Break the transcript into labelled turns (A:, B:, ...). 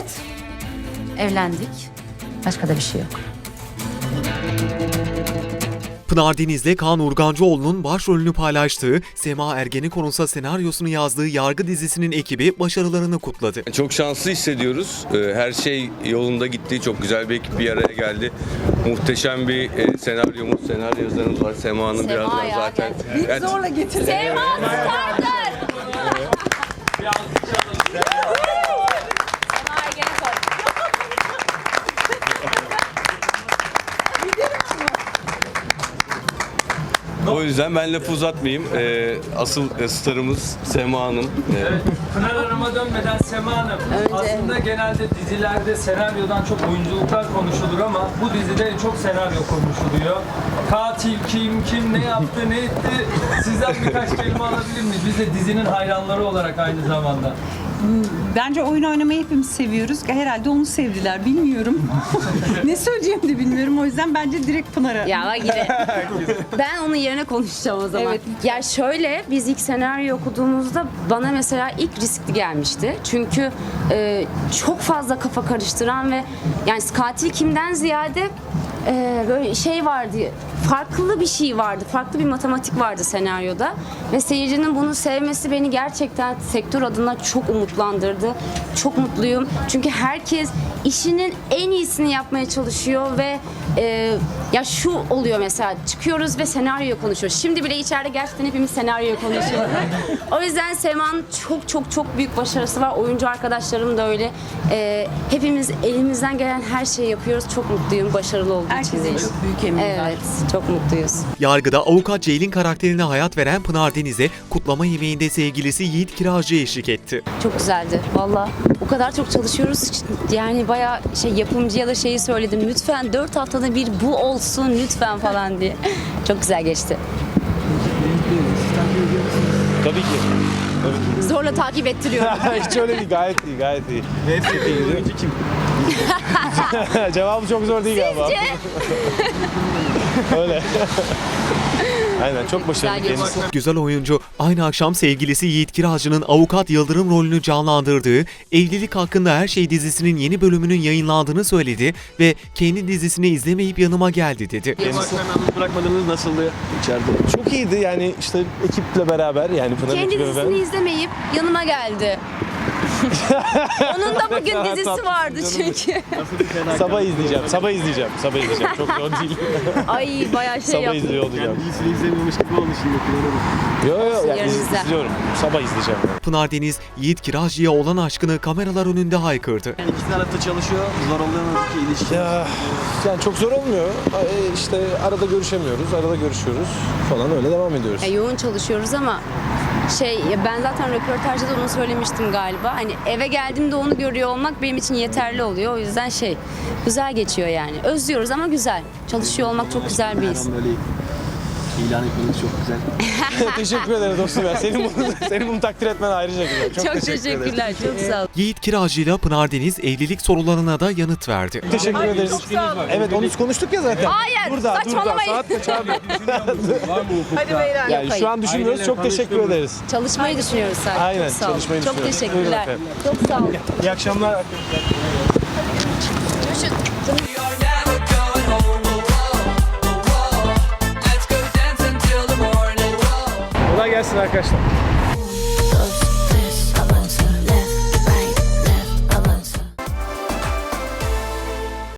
A: Evet. Evlendik. Başka da bir şey yok.
B: Pınar Deniz'le Kaan Urgancıoğlu'nun başrolünü paylaştığı, Sema Ergenekon'un senaryosunu yazdığı Yargı dizisinin ekibi başarılarını kutladı.
C: Çok şanslı hissediyoruz. Her şey yolunda gitti. Çok güzel bir ekip bir araya geldi. Muhteşem bir senaryo yazarımız var. Sema'nın birazdan zaten.
D: Biz zorla getirdik.
A: Sema starter!
C: O yüzden ben lafı uzatmayayım. Asıl starımız Sema Hanım.
E: Pınar Hanım'a dönmeden Sema Hanım, aslında genelde dizilerde senaryodan çok oyunculuklar konuşulur ama bu dizide en çok senaryo konuşuluyor. Katil kim ne yaptı, ne etti? Sizden birkaç kelime alabilir miyiz? Biz de dizinin hayranları olarak aynı zamanda.
D: Bence oyun oynamayı hepimiz seviyoruz. Herhalde onu sevdiler. Bilmiyorum. Ne söyleyeceğimi de bilmiyorum. O yüzden bence direkt Pınar'a.
F: Ya bak yine. Ben onun yerine konuşacağım o zaman.
D: Evet.
F: Ya şöyle, biz ilk senaryo okuduğumuzda bana mesela ilk riskli gelmişti. Çünkü çok fazla kafa karıştıran ve yani katil kimden ziyade böyle şey vardı, farklı bir şey vardı, farklı bir matematik vardı senaryoda ve seyircinin bunu sevmesi beni gerçekten sektör adına çok umutlandırdı. Çok mutluyum çünkü herkes işinin en iyisini yapmaya çalışıyor ve ya şu oluyor mesela, çıkıyoruz ve senaryo konuşuyoruz. Şimdi bile içeride gerçekten hepimiz senaryo konuşuyoruz. O yüzden Sema'nın çok büyük başarısı var. Oyuncu arkadaşlarım da öyle. Hepimiz elimizden gelen her şeyi yapıyoruz. Çok mutluyum başarılı olduğu için.
D: Herkesin çok büyük emeği var.
F: Evet, çok mutluyuz.
B: Yargıda avukat Ceylin karakterine hayat veren Pınar Deniz'e kutlama yemeğinde sevgilisi Yiğit Kiracı eşlik etti.
F: Çok güzeldi. Valla o kadar çok çalışıyoruz. Yani bayağı yapımcıya da şeyi söyledim. Lütfen 4 haftada bir bu olsun lütfen falan diye. Çok güzel geçti.
G: Tabii ki.
F: Zorla takip ettiriyorum.
G: Hiç öyle değil. Gayet iyi, gayet iyi. Hep çok iyi. Oyuncu kim? Cevabı çok zor değil galiba. Öyle. Aynen, çok başarılı
F: Güzel
G: kendisi.
B: Güzel oyuncu aynı akşam sevgilisi Yiğit Kiracı'nın avukat Yıldırım rolünü canlandırdığı Evlilik Hakkında Her Şey dizisinin yeni bölümünün yayınlandığını söyledi ve kendi dizisini izlemeyip yanıma geldi dedi.
G: Bırakmadığınız nasıldı içeride? Çok iyiydi yani işte ekiple beraber yani Pınar
F: Kendi
G: ekiple
F: dizisini izlemeyip yanıma geldi. Onun da bugün dizisi vardı çünkü.
G: Sabah izleyeceğim. Çok zor değil.
F: Ay bayağı şey
G: Sabah
F: yaptım.
G: izliyor olacağım.
H: İyisini izlemiyormuş gibi oldu şimdi.
G: Yok yani
F: Yarın izle.
G: izliyorum. Sabah izleyeceğim.
B: Pınar Deniz, Yiğit Kiracı'ya olan aşkını kameralar önünde haykırdı.
H: İki tarafta çalışıyor. Zor oluyor mu ki ilişki?
G: Ya, yani çok zor olmuyor. İşte arada görüşemiyoruz, arada görüşüyoruz falan öyle devam ediyoruz.
F: Yoğun çalışıyoruz ama ben zaten röportajda da onu söylemiştim galiba. Hani eve geldiğimde onu görüyor olmak benim için yeterli oluyor. O yüzden güzel geçiyor yani. Özlüyoruz ama güzel. Çalışıyor olmak çok güzel bir his.
H: Böyle ilan etmeniz çok güzel.
G: Teşekkür ederim dostum ya. Senin bunu takdir etmen ayrıca güzel.
F: Çok teşekkürler. Çok sağ ol.
B: Yiğit Kiracı'yla Pınar Deniz evlilik sorularına da yanıt verdi.
G: Teşekkür ederiz. Evet onu konuştuk ya zaten.
F: Hayır, saçmalamayın.
G: Saat kaç abi?
D: Hadi beyler.
G: Yani şu an düşünmüyoruz. Çok teşekkür ederiz.
F: Çalışmayı düşünüyoruz sadece.
G: Aynen,
F: Çok sağ ol.
G: çalışmayı
F: Çok
G: düşünüyoruz.
F: teşekkürler.
G: Buyurun
F: Çok sağ ol.
G: İyi akşamlar. Kolay gelsin arkadaşlar.